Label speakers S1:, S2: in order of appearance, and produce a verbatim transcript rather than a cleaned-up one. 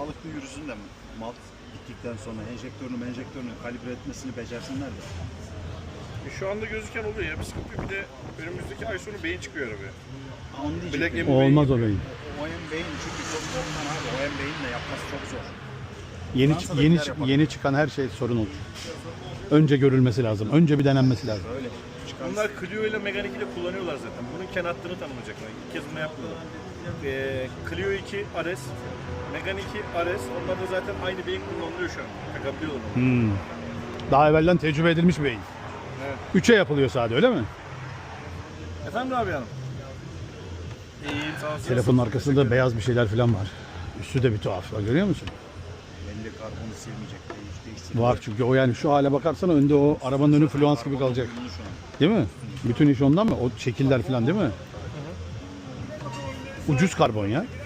S1: sağlıklı yürüsün de mal gittikten sonra enjektörünü enjektörünü kalibre etmesini becersinler de.
S2: E şu anda gözüken oluyor ya, bir sıkıntı yok. Bir de önümüzdeki ay sonu beyin çıkıyor arabaya.
S1: Ha, onu
S2: Black
S1: diyecektim.
S2: M B
S3: Olmaz o beyin.
S1: O M beyin çünkü çok zorlan abi. O M beyin de yapması çok zor.
S3: Yeni
S1: Fransa'dakiler
S3: yeni
S1: yapar.
S3: yeni çıkan her şey sorun olur. Önce görülmesi lazım. Önce bir denenmesi lazım.
S1: Öyle. Çıkan
S2: Bunlar Clio ile Megane ile kullanıyorlar zaten. Bunun Ken hattını tanımlayacaklar. İlk kez bunu yapmıyorlar. Ee, Clio iki R S, Megane iki R S. Onlar da zaten aynı beyin kullanılıyor şu an. Takabiliyorlar onu.
S3: Hmm. Daha evvelden tecrübe edilmiş bir beyin.
S2: Evet.
S3: Üçe yapılıyor sadece, öyle mi?
S2: Efendim abi hanım? İyiyim, sağ olsun.
S3: Telefonun arkasında beyaz bir şeyler falan var. Üstü de bir tuhaf. Bak, görüyor musun?
S1: belli karbonu silmeyecek. Değiş, değiştirecek.
S3: Var çünkü o, yani şu hale bakarsan önde o arabanın önü fluans gibi kalacak.
S1: Uyumlu şu an.
S3: Değil mi? Bütün iş ondan mı? O şekiller falan değil mi? Ucuz karbon ya.